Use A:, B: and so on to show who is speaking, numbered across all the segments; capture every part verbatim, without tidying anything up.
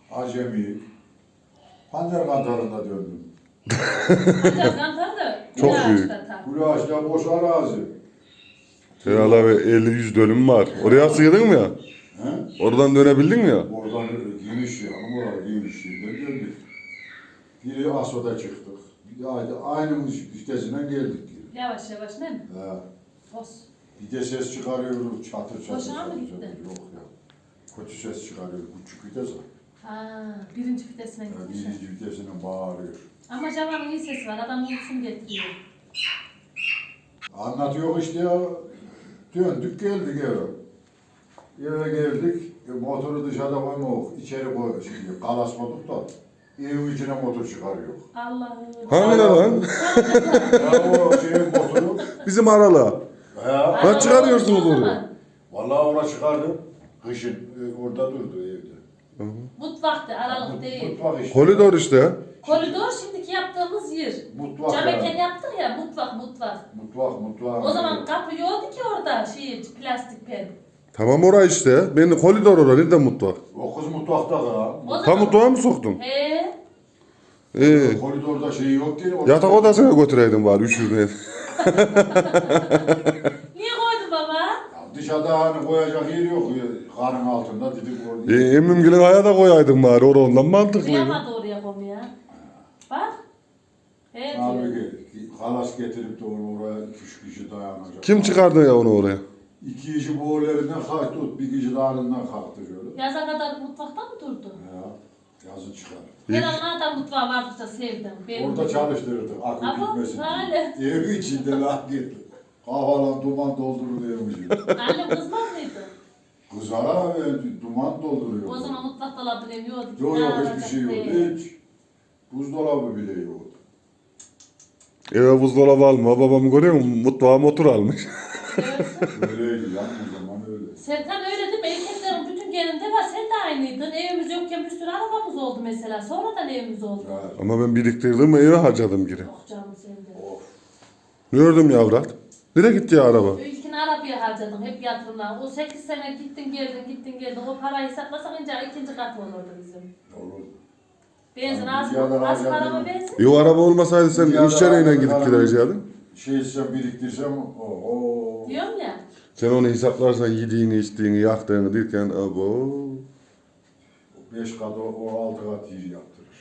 A: acemi. Pancar kantarında döndüm.
B: Pancar kantarı da
C: Çok büyük.
A: Gülaş'ta boş arazi.
C: Herhalde bir elli yüz dönüm var. Oraya sığdın mı ya?
A: He?
C: Oradan dönebildin mi ya?
A: Oradan geniş ya, oraya geniş yerden döndük. Biri Aso'da çıktık. Bir de aynı, aynı vitesinden geldik. Geri.
B: Yavaş yavaş değil mi?
A: He.
B: Olsun.
A: Bir de ses çıkarıyoruz, çatır çatır.
B: Boşuna mı
A: çatır,
B: gitti?
A: çatır. Yok ya. Kötü ses çıkarıyor, küçük vites var.
B: Ha, birinci vitesine
A: Yani
B: gitmiş.
A: birinci vitesinden bağırıyor.
B: Ama Javan'ın iyi sesi var. Adam uykusunu getiriyor.
A: Anlatıyor işte ya. Döndük geldik eve. Eve geldik. E, motoru dışarıda koymadık. İçeri koy, şimdi kalasmadık da. Evin içine motor çıkarıyor.
B: Allah'ım.
C: Hangi lan?
A: Ya o şeyin motoru.
C: Bizim arala.
A: Ya.
C: Lan çıkarıyorsunuz onu.
A: Vallahi ona çıkardım. Kışın e, orada durdu evde.
B: Mutfaktı, aralık değil.
A: Mutfak işte.
C: Koridor işte.
B: Koridor şimdiki yaptığımız yer.
A: Mutfak
B: Cam
A: ya.
B: eken yaptık ya, mutfak mutfak.
A: Mutfak, mutfak.
B: O zaman kapı yoktu ki orada, şey, plastik pen.
C: Tamam orası işte. Benim koridor orada. Nerede mutfak?
A: O kız mutfakta ha.
B: O
C: Tam mutfağa mı soktun?
B: He.
C: İyi.
A: Koridorda şey yok ki.
C: Yatak odasına götüreydin bari üşürdün.
B: Niye koydu baba?
A: Ya dışarıda hani koyacak yer yok. Karın altında dedik orada.
C: E, Emmimgil'in aya da koyaydın bari. Orada ondan mantıklıydı.
B: Kıyamadı oraya konuya. Bak. Evet.
A: Halbuki halas getirip de onu oraya iki üç kişi dayanacak.
C: Kim çıkardı ya onu oraya?
A: İki kişi boğularından kalktı, bir kişi dağlarından kalktı şöyle.
B: Yaza kadar mutfakta mı durdu?
A: Ya, yazın çıkar.
B: Her an adam mutfağı vardıkça sevdim. Benim
A: Orada çalıştırırdık, akıl
B: Ama
A: gitmesin
B: öyle.
A: diye. Evi içinde lan gitti. Kafalan duman doldurur diyormuş.
B: Annem kızmaz mıydı?
A: Kızara ve duman dolduruyor.
B: O zaman mutfak dolabını emiyordu.
A: Yok yok hiçbir şey yok. Hiç. Buzdolabı bile yok.
C: Eve buzdolabı alma. Babam görüyor musun? Mutfağa motor almış.
A: Öyleydi lan o zaman öyle.
B: Serkan öyle değil mi? Erkeklerin bütün geninde var. Sen de aynıydın. Evimiz yokken bir sürü arabamız oldu mesela. Sonradan evimiz oldu.
A: Ya,
C: Ama ben biriktirdim eve harcadım geri.
B: Yok canım sende.
A: of.
C: Gördüm yavrat. Nereye gitti ya araba?
B: İlkini arabaya harcadım. Hep yatırımlar. O sekiz sene gittin geldin gittin geldin. O parayı hesaplasak önce ikinci katı olurdu bizim.
A: Olur.
B: Benzin
A: Yani
B: az
A: bir yerden
B: mı? Az
A: harcadım.
B: araba benzin.
C: E o araba olmasaydı sen
A: Ya da
C: iş çareyle gidip
A: araba-
C: gidecektin.
A: Şey etsem biriktirsem oho.
B: Diyorum ya.
C: Sen onu hesaplarsan yediğini, içtiğini, yaktığını derken abo.
A: Beş kat o, o altı kat yer yaptırır.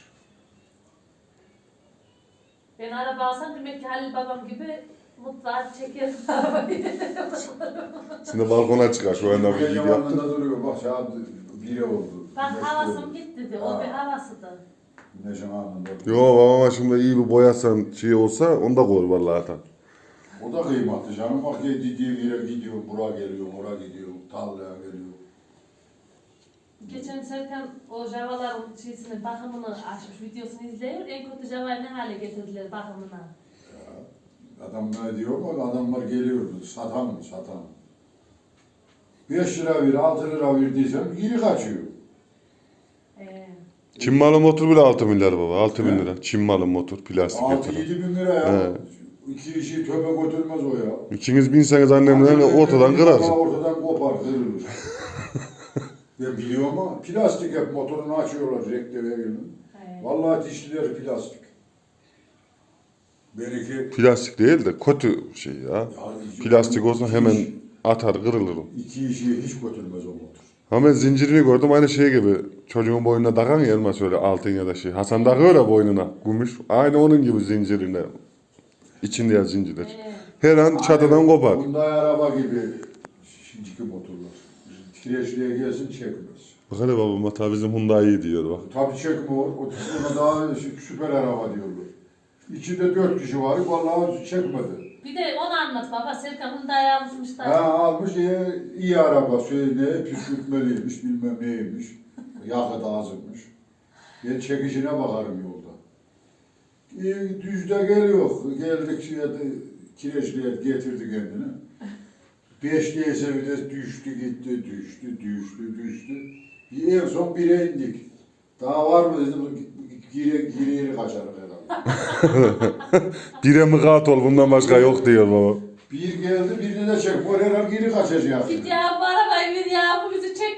B: Ben araba alsam demek ki Halil babam gibi mutfağa çeker arabayı.
C: Şimdi balkona çıkar şu anda bir
A: Buraya
C: gidi yaptı.
A: yamanında duruyor bak saat biri oldu.
B: Bak
A: Güneş
B: havasım
A: doğdu.
B: gitti de. O
A: Ha.
B: bir havasıdı.
A: Güneşin anında.
C: Yo babama şimdi iyi bir boyasan şey olsa onu da koy vallahi atan.
A: O da kıymetli canım. Bak dediği yere gidiyor, buraya geliyor, oraya gidiyor, tarlaya geliyor.
B: Geçen Serkan o javaların şeysini, bakımını açmış, videosunu izliyor. En kötü javayı ne hale getirdiler bakımına.
A: Ya, adam ne diyor mu? Adamlar geliyordu. Satan mı? Satan. Beş lira ver, altı lira ver diysem geri kaçıyor.
B: Ee,
C: Çin malı motor bile altı milyar baba. altı bin lira. Çin malı motor plastik
A: Altı
C: getiren.
A: yedi bin lira ya.
C: He.
A: İki işi töpe götürmez o ya.
C: İkiniz binseniz annemden ortadan kırarsın.
A: Ortadan kopar, kırılır. Ben biliyorum ama plastik hep motorunu açıyorlar rektöre gelin.
B: he.
A: Vallahi dişliler plastik. Benimki
C: Plastik değil de kötü şey ya.
A: ya,
C: Plastik olsa
A: iki
C: hemen
A: iş-
C: atar kırılır. o.
A: iki işi hiç götürmez o motor.
C: Ama ben zincirini gördüm aynı şey gibi. Çocuğun boynuna takan ya elmas öyle altın ya da şey. Hasan takıyor ya boynuna gümüş. Aynı onun gibi zincirine. İçinde ya zincirler.
B: He.
C: Her an çatıdan kopar.
A: Hyundai araba gibi şimdiki motorlar. Kireçliğe gelsin çekmez.
C: Bak hele babam hatta bizim Hyundai iyi diyor bak.
A: Tabii çekmiyor. O ona daha sü- süper araba diyorlar. İçinde dört kişi var. Vallahi çekmedi.
B: Bir de onu anlat baba. Serkan Hyundai almışmış da.
A: Ha almış iyi, iyi araba. Şey ne püskürtmeliymiş bilmem neymiş. Yakıt azmış. Ben çekişine bakarım yolda. E, düzde geliyor. Geldik şeye de kireçliğe getirdi kendini. Beş diyese bir de düştü gitti, düştü, düştü, düştü. Bir en son bire indik. Daha var mı dedim, gire, gire yeri kaçarım herhalde.
C: Bire mıkat ol bundan başka yok diyor baba.
A: Bir geldi, birini de çekmiyor, herhalde geri kaçacak.
B: Git ya bu arabayı ver ya. Bu bizi çekmiyor ya.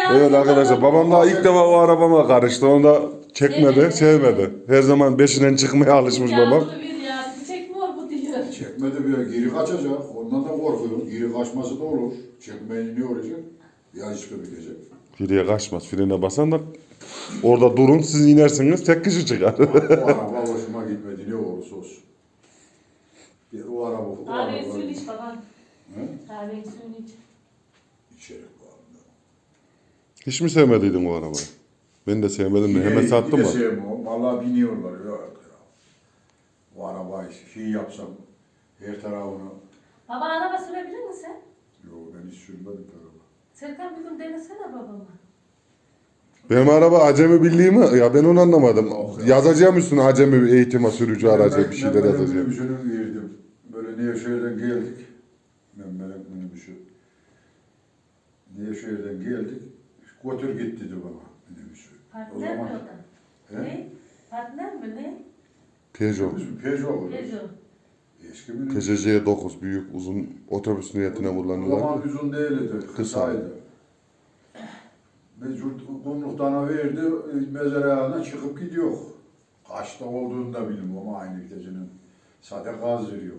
B: ayağını
C: Evet arkadaşlar babam daha ilk defa o arabama karıştı. Onu da çekmedi,
B: Evet.
C: sevmedi. Her zaman beşinden çıkmaya alışmış babam.
B: Yağmurlu bir ya. Çekmiyor bu diyor.
A: Çekmedi bir geri kaçacak. Ondan da korkuyorum. Geri kaçması da olur. Çekmeyince ne olacak? Ya işte bitecek.
C: Geriye kaçmaz. Frene basan da orada durun siz inersiniz tek kişi çıkar.
A: O araba hoşuma gitmedi ne olursa olsun. Bir o araba, o
B: Kahveyi
A: araba.
B: suyunu iç baban.
A: He?
B: Kahveyi suyunu iç.
A: İçerik var.
C: Hiç mi sevmediydin o arabayı? Ben de sevmedim de hemen sattım
A: mı?
C: mı?
A: Sevmiyorum. Vallahi biniyorlar. Yok ya. O arabayı şey yapsam her tarafını.
B: Baba araba sürebilir misin sen?
A: Yok ben hiç sürmedim araba.
B: Serkan bir gün denesene babama.
C: Benim araba acemi birliği mi? Ya ben onu anlamadım.
A: Yok ya.
C: Yazacağım üstüne acemi bir eğitime sürücü aracı bir şeyler
A: Mehmet'in
C: yazacağım.
A: minibüsünü verdim. Böyle Nevşehir'den geldik. Mehmet'in minibüsü. Nevşehir'den geldik. Götür git dedi bana minibüsü. O
B: Partner mi
A: zaman-
B: o da?
A: He?
B: Ne? Partner mi ne?
C: Peugeot.
A: Bizim Peugeot.
B: Peugeot.
A: Eski minibüs.
C: T C C dokuz büyük uzun otobüs niyetine
A: O
C: kullanılan.
A: zaman uzun değildi. Kısaydı. Mecbur kumluktan verdi. Mezarlığına çıkıp gidiyor. Kaçta olduğunu da bilmiyorum ama aynı gecenin. Zaten gaz veriyor.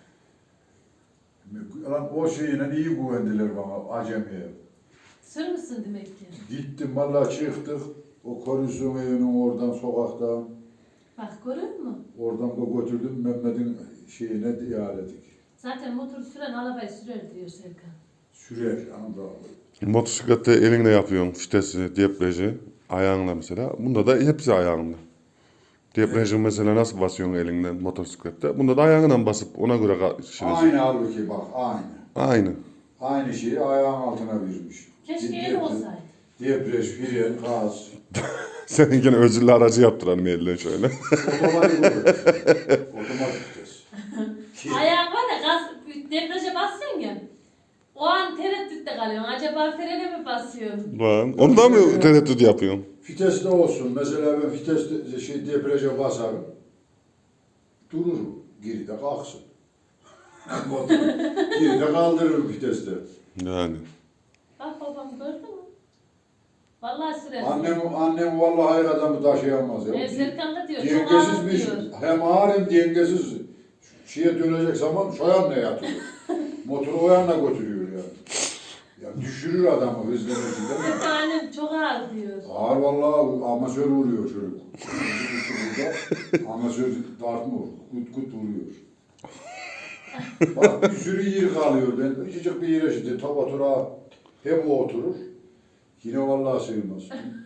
A: Lan o şeyine iyi güvendiler bana acemiye.
B: Sürmüşsün demek ki.
A: Gittim vallahi çıktık. O komisyon evinin oradan sokaktan.
B: Bak görüyor musun?
A: Oradan da götürdüm Mehmet'in şeyine diyaledik.
B: Zaten motor süren arabayı sürer diyor Serkan.
A: Sürer yanımda.
C: Motosiklette elinle yapıyorsun fitesi, debriyajı, ayağınla mesela. Bunda da hepsi ayağınla. Debriyajı mesela nasıl basıyorsun elinden motosiklette? Bunda da ayağından basıp ona göre şireceksin.
A: Aynı halbuki bak aynı.
C: Aynı.
A: Aynı şeyi ayağın altına vermiş.
B: Keşke
A: Debriyaj-
B: el olsaydı.
A: Debriyaj, fren, gaz.
C: Seninkine özürlü aracı yaptıran elle şöyle.
A: Otomatik olur. Otomatik vites. Ki-
B: Ayağın var ya gaz, debriyaja basıyorsun ya. O an tereddütte kalıyorsun. Acaba frene mi basıyorsun?
C: Lan, onu da mı tereddüt yapıyorsun?
A: Vites de olsun. Mesela ben viteste şey debriyaja basarım. Durur. Geride kalksın. Motor. Geride kaldırırım viteste.
C: Yani.
B: Bak babam gördün mü? Vallahi sürer.
A: Annem, annem vallahi hayır adamı taşıyamaz ya.
B: E, Serkan da diyor. Çok ağır
A: Dengesizmiş.
B: diyor.
A: Hem ağır hem dengesiz. Şeye dönecek zaman şu yanına yatıyor. Motoru o yanına götürüyor yani. Ya düşürür adamı hızlı hızlı değil mi?
B: Serkan annem çok ağır diyor.
A: Ağır vallahi amasör vuruyor çocuk. Burada amasör dartmıyor. Kut kut vuruyor. Bak bir sürü yer kalıyor. Ben küçücük bir yere şimdi top otura hep o oturur. Yine vallahi sığmaz.